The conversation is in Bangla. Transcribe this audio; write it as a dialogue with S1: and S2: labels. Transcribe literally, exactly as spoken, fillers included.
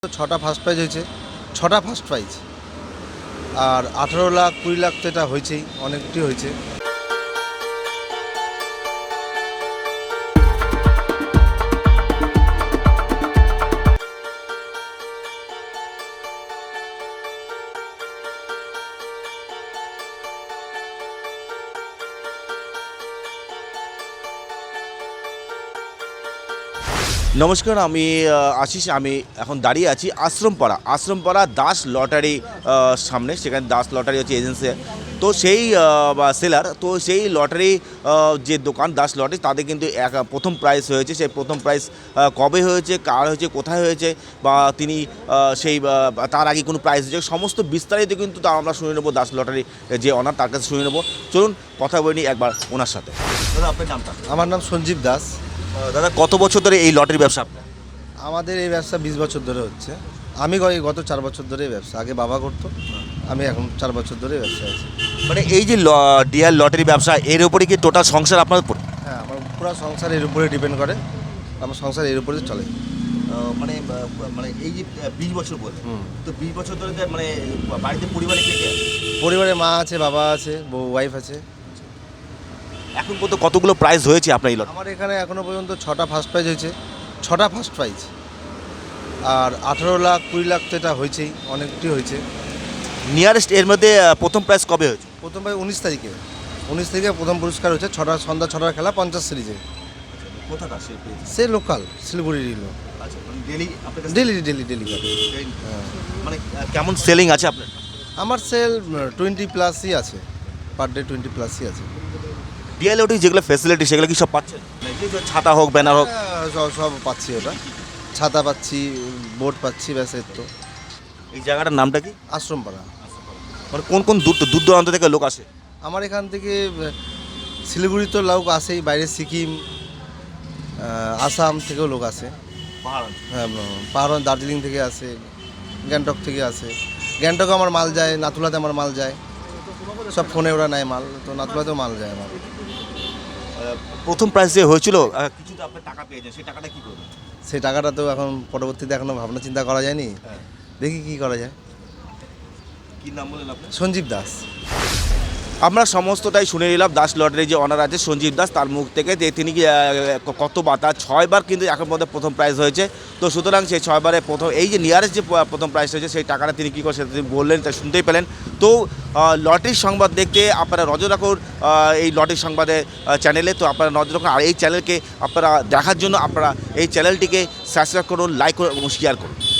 S1: ছটা ফার্স্ট প্রাইজ হয়েছে, ছটা ফার্স্ট প্রাইজ। আর আঠারো লাখ কুড়ি লাখ তো এটা হয়েছেই, অনেকটি হয়েছে।
S2: নমস্কার, আমি আহ, আশিস। আমি এখন দাঁড়িয়ে আছি আশ্রমপাড়া আশ্রমপাড়া দাস লটারি আহ, সামনে। সেখানে দাস লটারি হচ্ছে এজেন্সি, তো সেই আহ, বা সেলার, তো সেই লটারি আহ, যে দোকান দাস লটারি, তাদের কিন্তু এক প্রথম প্রাইজ হয়েছে। সেই প্রথম প্রাইজ আহ, কবে হয়েছে, কার হয়েছে, কোথায় হয়েছে, বা তিনি আহ, সেই আহ, তার আগে কোনো প্রাইজ হয়েছে, সমস্ত বিস্তারিত কিন্তু তা আমরা শুনে নেবো দাস লটারি যে অনার, তার কাছে শুনে নেবো। চলুন কথা বলি একবার ওনার সাথে। দাদা, আপনার নামটা?
S1: আমার নাম সঞ্জীব দাস।
S2: দাদা, কত বছর ধরে এই লটারি ব্যবসা আপনার?
S1: আমাদের এই ব্যবসা বিশ বছর ধরে হচ্ছে। আমি গ- গত চার বছর ধরে এই ব্যবসা, আগে বাবা করতো, আমি এখন চার বছর ধরে ব্যবসা আছি।
S2: মানে এই যে ল- ডিয়ার লটারি ব্যবসা, এর উপরে কি টোটাল সংসার আপনার উপর?
S1: হ্যাঁ, আমার পুরো সংসার এর উপরে ডিপেন্ড করে, আমার সংসার এর উপরে চলে।
S2: মানে মানে এই যে বিশ বছর বলে,
S1: হুম।
S2: তো বিশ বছর ধরে মানে বাড়িতে পরিবারে কে কে আছে?
S1: পরিবারে মা আছে, বাবা আছে, বউ ওয়াইফ আছে।
S2: এখন পর্যন্ত কতগুলো প্রাইজ হয়েছে আপনার এই লটারি?
S1: আমার এখানে এখনো পর্যন্ত ছটা ফার্স্ট প্রাইজ হয়েছে, ছটা ফার্স্ট প্রাইজ। আর আঠারো লাখ কুড়ি লাখ তো এটা হয়েছেই, অনেকটি হয়েছে।
S2: নিয়ারেস্ট এর মধ্যে আহ, প্রথম প্রাইজ কবে হয়েছে?
S1: প্রথম প্রাইজ উনিশ তারিখে উনিশ তারিখে প্রথম পুরস্কার হয়েছে, ছটা সন্ধ্যা ছটার খেলা পঞ্চাশ সিরিজে।
S2: কোথাটা সে
S1: সে লোকাল শিলিগুড়ির লোক,
S2: আচ্ছা, ডেলি আপনার
S1: ডেলি ডেলি ডেলি করে। হ্যাঁ,
S2: মানে আহ, কেমন সেলিং আছে আপনার?
S1: আমার সেল টোয়েন্টি প্লাসই আছে, পার ডে টোয়েন্টি প্লাসই আছে।
S2: ডিয়ার লটারি যেগুলো ফ্যাসিলিটি, সেগুলো কি সব পাচ্ছেন? মানে যে ছাতা হোক, ব্যানার হোক?
S1: হ্যাঁ, সব সব পাচ্ছি, ওটা ছাতা পাচ্ছি, বোট পাচ্ছি, ব্যাস এর তো।
S2: এই জায়গাটার নামটা কি?
S1: আশ্রমপাড়া।
S2: মানে কোন কোন দূর দূর দূরান্ত থেকে লোক আসে?
S1: আমার এখান থেকে আহ, শিলিগুড়ি তো লোক আসেই, বাইরে সিকিম, আহ, আসাম থেকেও লোক আসে। হ্যাঁ, পাহাড়, দার্জিলিং থেকে আসে, গ্যাংটক থেকে আসে। গ্যাংটকে আমার মাল যায়, নাথুলাতে আমার মাল যায়, সব ফোনে ওরা নেয় মাল, তো নাথুলাতেও মাল যায় আমার।
S2: প্রথম প্রাইজ যে হয়েছিল, আহ, কিছু তো আপনার টাকা পেয়েছেন, সেই টাকাটা কি করবেন?
S1: সেই টাকাটা তো এখন পরবর্তীতে এখনো ভাবনা চিন্তা করা যায়নি, দেখি কি করা যায়।
S2: কি নাম বলেন আপনি?
S1: সঞ্জীব দাস।
S2: আমরা সমস্তটাই শুনে নিলাম দাস লটারি যে অনার আছে সঞ্জীব দাস, তার মুখ থেকে, যে তিনি কি, আহ, কতবার, তার ছয়বার কিন্তু এখন মধ্যে প্রথম প্রাইজ হয়েছে। তো সুতরাং সেই ছয়বারে প্রথম এই যে নিয়ারেস্ট যে প- প্রথম প্রাইজ হয়েছে, সেই টাকাটা তিনি কী করে সেটা তিনি বললেন, তা শুনতেই পেলেন। তো আহ, লটারির সংবাদ দেখতে আপনারা নজর রাখুন আহ, এই লটারির সংবাদে আহ, চ্যানেলে। তো আপনারা নজর রাখুন, আর এই চ্যানেলকে আপনারা দেখার জন্য আপনারা এই চ্যানেলটিকে সাবস্ক্রাইব করুন, লাইক করুন এবং শেয়ার করুন।